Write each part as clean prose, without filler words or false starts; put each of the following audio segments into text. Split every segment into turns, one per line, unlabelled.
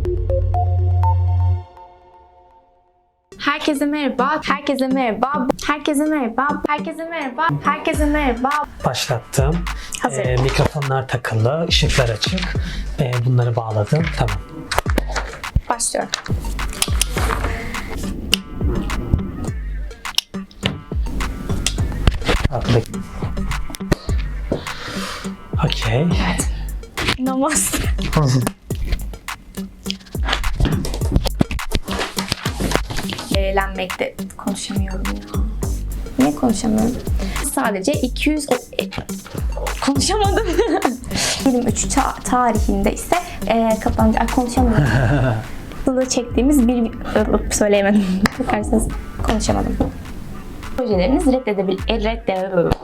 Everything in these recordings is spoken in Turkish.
Herkese merhaba, herkese merhaba, herkese merhaba, herkese merhaba, herkese merhaba.
Başlattım.
Hazır.
Mikrofonlar takılı, ışıklar açık. Bunları bağladım. Tamam.
Başlıyorum.
Okey.
Evet. Namaste. Eğlenmekte konuşamıyorum ya. Niye konuşamıyorum? Sadece 200 konuşamadım. 23 tarihinde ise kapanacak. Konuşamadım. Aslında çektiğimiz bir söyleyemedim. Bakarsanız konuşamadım. Projeleriniz reddedilebiliyor.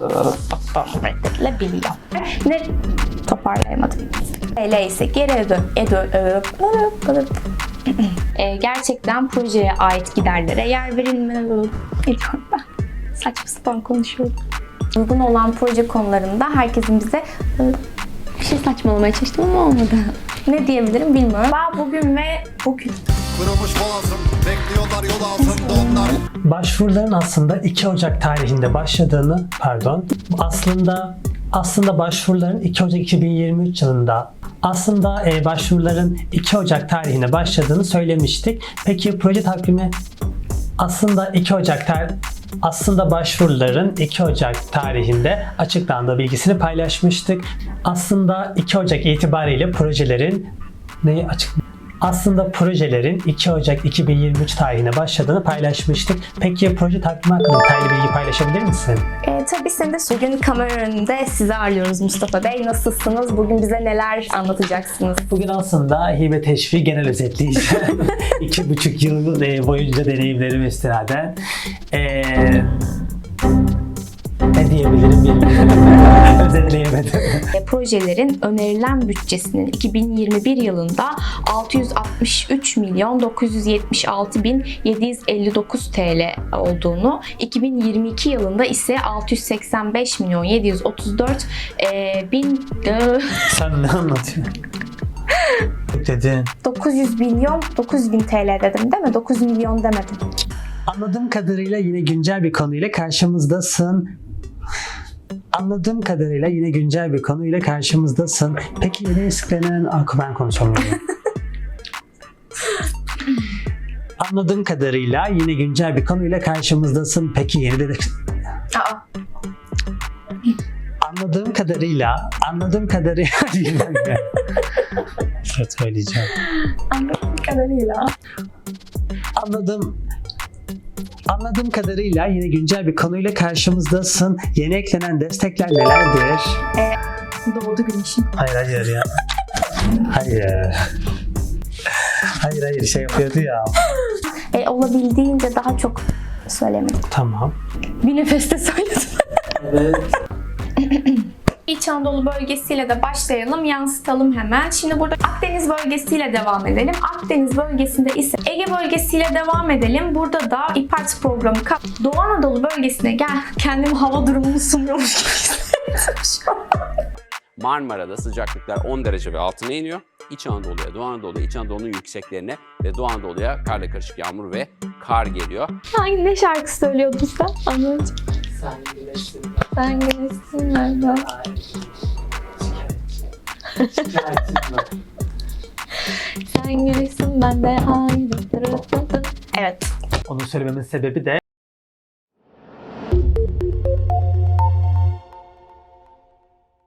Ne toparlayamadım. Öyle ise geri gerçekten projeye ait giderlere yer verilmiyor. Ediyorum ben. Saçma sapan konuşuyorum. Uygun olan proje konularında herkesin bize bir şey saçmalamaya çalıştım ama olmadı. Ne diyebilirim bilmiyorum. Bugün ve bugün.
Kırılmış boğazım, bekliyorlar yol altında onlar.
Başvuruların aslında 2 Ocak tarihinde başladığını, aslında başvuruların 2 Ocak 2023 yılında başvuruların 2 Ocak tarihine başladığını söylemiştik. Peki proje takvimi aslında başvuruların 2 Ocak tarihinde açıklandığı bilgisini paylaşmıştık. Aslında 2 Ocak itibariyle projelerin 2 Ocak 2023 tarihine başladığını paylaşmıştık. Peki proje takvimi hakkında detaylı bilgi paylaşabilir misin?
Tabii sen de bugün kamera önünde sizi ağırlıyoruz Mustafa Bey. Nasılsınız? Bugün bize neler anlatacaksınız?
Bugün aslında hibe teşvik genel özetleyeceğim. 2,5 yıl boyunca deneyimlerimi istinaden. Ne diyebilirim bilmiyorum. Özetleyemedim.
Projelerin önerilen bütçesinin 2021 yılında 663.976.759 TL olduğunu, 2022 yılında ise 685.734.000
Sen ne anlatıyorsun? Dedin.
900.000 TL dedim değil mi? 9 milyon demedim.
Anladığım kadarıyla yine güncel bir konuyla karşımızdasın. Peki yeni eskiklenen... Ben konuşamıyorum. Anladığım kadarıyla yine güncel bir konuyla karşımızdasın. Peki yeni de... Anladığım kadarıyla söyleyeceğim. Anladığım kadarıyla yine güncel bir konuyla karşımızdasın. Yeni eklenen destekler nelerdir?
Doğdu güneşin.
Hayır ya. Hayır şey yapıyordu ya.
Olabildiğince daha çok söylemedim.
Tamam.
Bir nefeste söyledim.
Evet.
İç Anadolu bölgesiyle de başlayalım, yansıtalım hemen. Şimdi burada Akdeniz bölgesiyle devam edelim. Akdeniz bölgesinde ise Ege bölgesiyle devam edelim. Burada da İPART programı Doğu Anadolu bölgesine kendimi hava durumunu sunuyormuş gibi hissediyorum.
Marmara'da sıcaklıklar 10 derece ve altına iniyor. İç Anadolu'ya, Doğu Anadolu'ya, İç Anadolu'nun yükseklerine ve Doğu Anadolu'ya karla karışık yağmur ve kar geliyor.
Ne şarkı söylüyordun sen? Anladım. Sen güneşsin nerede? Sen güneşsin ben de ayrı. Evet.
Onu söylememin sebebi de